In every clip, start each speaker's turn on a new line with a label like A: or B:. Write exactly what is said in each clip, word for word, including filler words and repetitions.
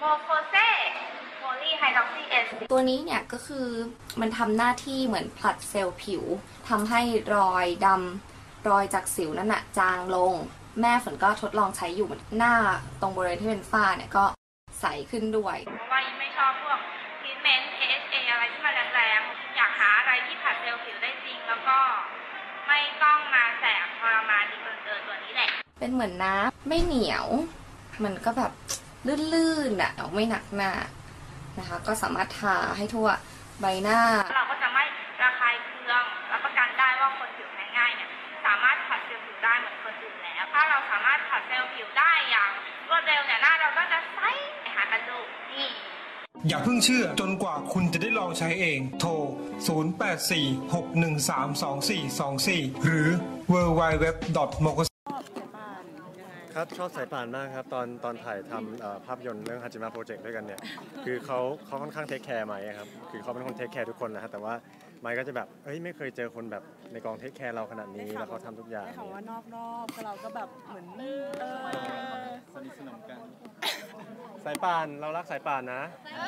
A: โมโคเซโพลีไฮดรอกซีเอส
B: ตัวนี้เนี่ยก็คือมันทำหน้าที่เหมือนผลัดเซลล์ผิวทำให้รอยดำรอยจากสิวนั่นน่ะจางลงแม่ฝนก็ทดลองใช้อยู่หน้าตรงบริเวณที่เป็นฝ้าเนี่ยก็ใสขึ้นด้วย
A: เพราะว่ายิ่งไม่ชอบพวกทรีทเมนต์ เอ เอช เอ อะไรที่มันแรงๆอยากหาอะไรที่ผลัดเซลล์ผิวได้จริงแล้วก็ไม่ต้องมาแสบทรมานดีเกินเกินตัวนี้แหละ
B: เป็นเหมือนน้ำไม่เหนียวมันก็แบบลื่นๆอ่ะไม่หนักหน้านะคะก็สามารถทาให้ทั่วใบหน้า
A: เราก็จะไม่ระคายเคืองรับประกันได้ว่าคนผิวแพ้ง่ายเนี่ยสามารถผัดเซลล์ผิวได้เหมือนคนอื่นแล้วถ้าเราสามารถผัดเซลล์ผิวได้อย่างรวดเร็วเนี่ยหน้าเราก็จะใสหากันดูนี่
C: อย่าเพิ่งเชื่อจนกว่าคุณจะได้ลองใช้เองโทรศูนย์ แปด สี่ หก หนึ่ง สาม สอง สี่ สอง สี่หรือ ดับเบิลยู ดับเบิลยู ดับเบิลยู ดอท โมโค
D: ครับชอบสายป่านมากครับตอนตอนถ่ายทำภาพยนตร์เรื่องฮาจิมะโปรเจกต์ด้วยกันเนี่ยคือเขาเขาค่อนข้างเทคแคร์ไมค์ครับคือเขาเป็นคนเทคแคร์ทุกคนนะฮะแต่ว่าไมค์ก็จะแบบเฮ้ยไม่เคยเจอคนแบบในกองเทคแคร์เราขนาดนี้แล้วเขาทำทุกอย่าง
E: ได้ข่าวว่านอกรอบเราก็แบบเหมือน
D: สนิทสนมกันสายป่านเรารักสายป่านนะ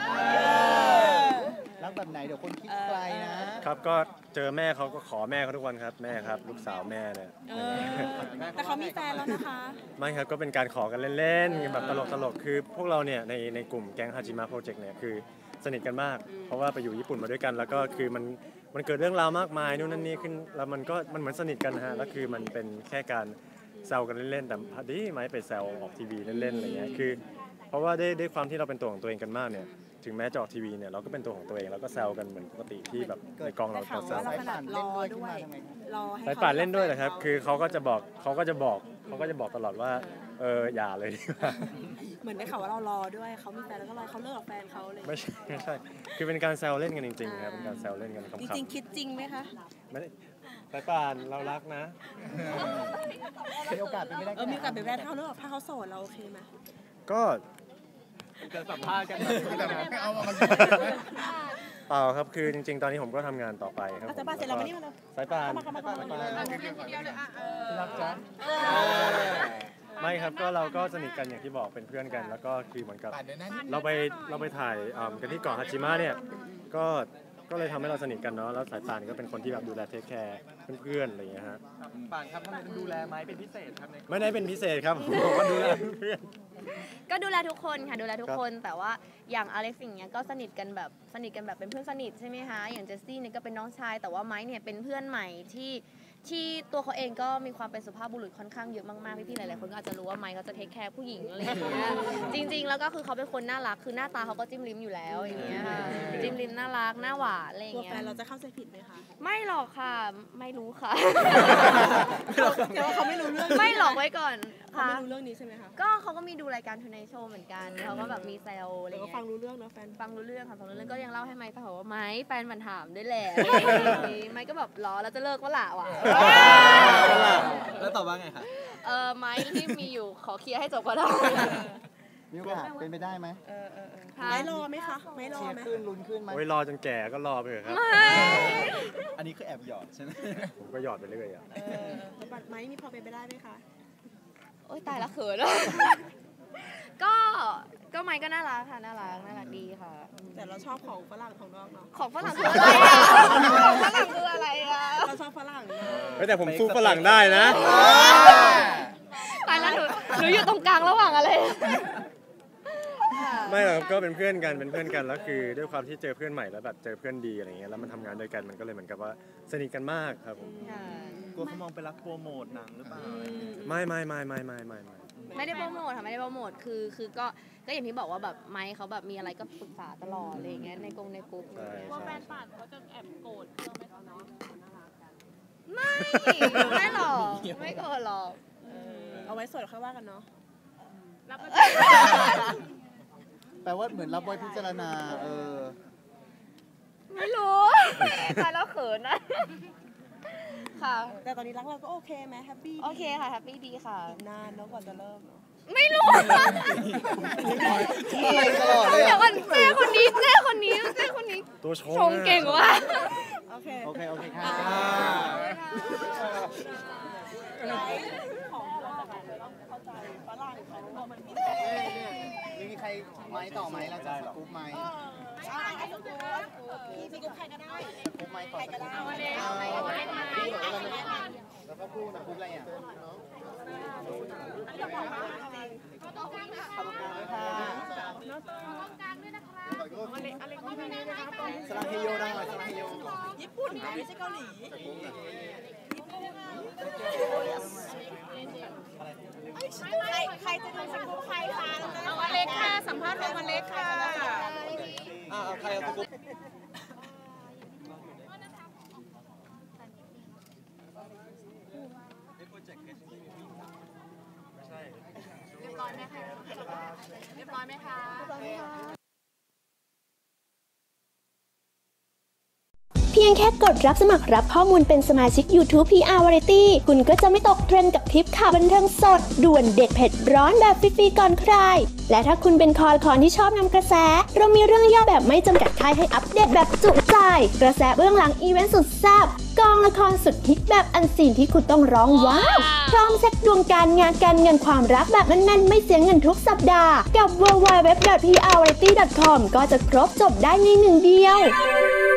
F: รักแบบไหนเดี๋ยวคนคิดไกล
D: นะครับก็เจอแม่เขาก็ขอแม่เขาทุกวันครับแม่ครับลูกสาวแม่เนี่ย
E: แต่เขามีแฟนแล้วนะคะ
D: ไม่ครับก็เป็นการขอกันเล่นๆแบบตลกๆคือพวกเราเนี่ยในในกลุ่มแก๊งฮาจิมะโปรเจกต์เนี่ยคือสนิทกันมากเพราะว่าไปอยู่ญี่ปุ่นมาด้วยกันแล้วก็คือมันมันเกิดเรื่องราวมากมายนู่นนั่นนี่ขึ้นแล้วมันก็มันเหมือนสนิทกันฮะแล้วคือมันเป็นแค่การแซวกันเล่นๆแต่พอดีไม่ไปแซวออกทีวีเล่นๆอะไรเงี้ยคือเพราะว่าได้ได้ความที่เราเป็นตัวของตัวเองกันมากเนี่ยถึงแม้จะออกทีวีเนี่ยเราก็เป็นตัวของตัวเองแล้วก็แซวกันเหมือนปกติที่แบบในกองเรา
E: แซวสายป่านรอด้วยรอให้
D: สายป่านเล่นด้วยนะครับคือเขาก็จะบอกเขาก็จะบอกเขาก็จะบอกตลอดว่าเอออย่าเลยดีกว่า
E: เหมือนได้ข่าวว่าเรารอด้วยเขามีแฟนแล้วก็รอเขาเลิกกับแฟนเขาเลย
D: ไม่ใช่ไม่ใช่คือเป็นการแซวเล่นกันจริงๆครับเป็นการแซวเล่นกันขำๆ
E: จริงๆคิดจริงไหมคะ
D: ไม่สายป่านเรารักนะ
F: มีโอกาสเป็นไม่ได้
E: เออมีโอกาสเป็นแฟนเขาเลิกถ้าเขาโสดเราโอเคไหม
D: ก็
F: จะสัมภาษณ์กัน
D: ไม่เอามาเปล่าครับคือจริงๆตอนนี้ผมก็ทำงานต่อไปครับ
E: สายป่านเสร็จแล้วมานี่มาเลย
D: สายป่าน
F: รักจ้ะ
D: ไม่ครับก็เราก็สนิทกันอย่างที่บอกเป็นเพื่อนกันแล้วก็คือเหมือนกับเราไปเราไปถ่ายกันที่เกาะฮาจิมะเนี่ยก็ก็เลยทำให้เราสนิทกันเนาะแล้วสายป่านก็เป็นคนที่แบบดูแลเทคแคร์เพื่อนๆอะไรอย่างเงี้ยฮะ
F: ป่านครับทำไมต้องดูแลไม้เป็นพิเศษครับ
D: ไม่ได้เป็นพิเศษครับผมก็ดูแลเพื่อน
B: ก็ดูแลทุกคนค่ะดูแลทุกคนแต่ว่าอย่างอเล็กซ์อย่างเงี้ยก็สนิทกันแบบสนิทกันแบบเป็นเพื่อนสนิทใช่ไหมคะอย่างเจสซี่เนี่ยก็เป็นน้องชายแต่ว่าไม้เนี่ยเป็นเพื่อนใหม่ที่ที่ตัวเขาเองก็มีความเป็นสุภาพบุรุษค่อนข้างเยอะมากๆพี่ๆหลายๆคนก็อาจจะรู้ว่าไมค์เขาจะเทคแคร์ผู้หญิงอะไรอย่างเงี้ยจริงๆแล้วก็คือเขาเป็นคนน่ารักคือหน้าตาเขาก็จิ้มลิ้มอยู่แล้วอย่างเงี้ยจิ้มลิ้มน่ารักหน้าหวานอะไรอย่างเงี้ย
E: แฟนเราจะเข้าใจผิดไหมคะ
B: ไม่หรอกค่ะไม่รู้ค่ะ
E: แต่ว่าเขาไม่รู้เรื่อง
B: ไม่หลอกไว้ก่อน
E: เขาไม่รู้เรื่องนี้ใช่ไหมคะ
B: ก็เขาก็มีดูรายการทูไนท์โชว์เหมือนกันเขาก็แบบมีแซวอะไรเงี้
E: ยฟังรู้เรื่องเนาะแฟน
B: ฟังรู้เรื่องค่ะฟังรู้เรื่องก็ยังเล่าให้ไมค์ฟังว่าไมค์แฟนมันถามด้วยแหละไมค์ก็แบบล้อแล้วจะเลิกว่าละว่ะ
F: แล้วตอบว่าไงคะ
B: เออไม้ที่มีอยู่ขอเคลียร์ให้จบก็ได้
F: มีโอกาสเป็นไปได้ไหม
E: เออเออไม่รอไหมคะไม่รอไหม
F: ขึ้นลุ้นขึ้นไหม
D: โอ้ยรอจนแก่ก็รอไปเถอะครับ
F: อันนี้คือแอบหยอดใช่ไหม
D: ผมก็หยอดไปเรื่อยอ่ะ
E: บัตรไม้มีพอเป็นไปได้ไหมคะ
B: โอ๊ยตายละเขินก็ก็ไม้ก็น่ารักค่ะน่ารักน่ารักดีค่ะ
E: แต่เราชอบของฝรั่งของนอกเนาะ
B: ของฝรั่งคืออะไรอ่ะของฝรั่งคืออะไรอ่ะ
E: เราชอบฝรั่ง
D: แต่ผมสู้ฝรั่งได้นะ
B: ตายแล้วหนูหนูอยู่ตรงกลางระหว่างอะไร
D: ไม่หรอกก็เป็นเพื่อนกันเป็นเพื่อนกันแล้วคือด้วยความที่เจอเพื่อนใหม่แล้วแบบเจอเพื่อนดีอะไรเงี้ยแล้วมันทำงานด้วยกันมันก็เลยเหมือนกับว่าสนิทกันมากครับผม
F: กลัวเขามองไปรักโปรโมทหนังหรือเปล่า
D: ไม่ไม่ไม่ไม่ไม่ไม่ไม่
B: ไม่ได้โปรโมทค่ะไม่ได้โปรโมทคือคือก็ก็อย่างที่บอกว่าแบบไมค์เขาแบบมีอะไรก็ปรึกษาตลอดอะไรอย่างเงี้ยในกงในกลุ่ม
E: ว่าแฟนป่านเขาจะแอบโกรธเราไหมคะเนาะ
B: ไม่ไม่หรอกไม่โกรธหรอก
E: เอาไว้สดค่อยว่ากันเนาะ
F: แปลว่าเหมือนรับบอยพิจารณาเออ
B: ไม่รู้ตายแล้วเขินนะค่ะ
E: แต่ตอนนี้รักเราก็โอเคไหมแฮปปี้
B: โอเคค่ะแฮปปี้ดีค่ะ
E: นานแล้วกว่าจะเริ่ม
B: ไม่รู้
F: อะไรตลอดเลย
B: เดี๋ยวก่อนเจ้คนนี้เจ้คนนี้เจ้คนนี้
D: ตัว
B: ชงเก่งว่ะ
E: โอเค
F: โอเคโอเคค่ะนี่มีใครไม้ต่อไหมเราจะสกู๊ปไหมสกู๊ปใครก็ได้สกู๊ปไม้ต่อสกู๊ปเอาเลยเอาเลยแล้วก็พูดนะพูดอะไรอ่ะสลาเฮโยได้ไหมสลาเฮโยญี่ปุ่นไม่ใช่เกาหลีใครจะดูสกู๊ปใครคะเอาอเล็กค่ะสัมภาษณ์ของอเล็กค่ะอ่าใครเอาสกู๊ปเรียบร้อยไหมคะเรียบร้อยไหมคะ
G: เพียงแค่กดรับสมัครรับข้อมูลเป็นสมาชิก YouTube พี อาร์ Variety คุณก็จะไม่ตกเทรนด์กับคลิปข่าวบันเทิงสดด่วนเด็ดเผ็ดร้อนแบบฟรีๆก่อนใครและถ้าคุณเป็นคอคอนที่ชอบนำกระแสเรามีเรื่องย่อแบบไม่จำกัดค่ายให้อัปเดตแบบจุใจกระแสเบื้องหลังอีเวนต์สุดแซ่บกองละครสุดฮิตแบบอันซีนที่คุณต้องร้องว้าวพร้อมเช็คดวงการงานการเงินความรักแบบแน่นๆไม่เสียเงินทุกสัปดาห์กับ ดับเบิลยู ดับเบิลยู ดับเบิลยู ดอท พี อาร์ วาไรตี้ ดอท คอม ก็จะครบจบได้ในหนึ่งเดียว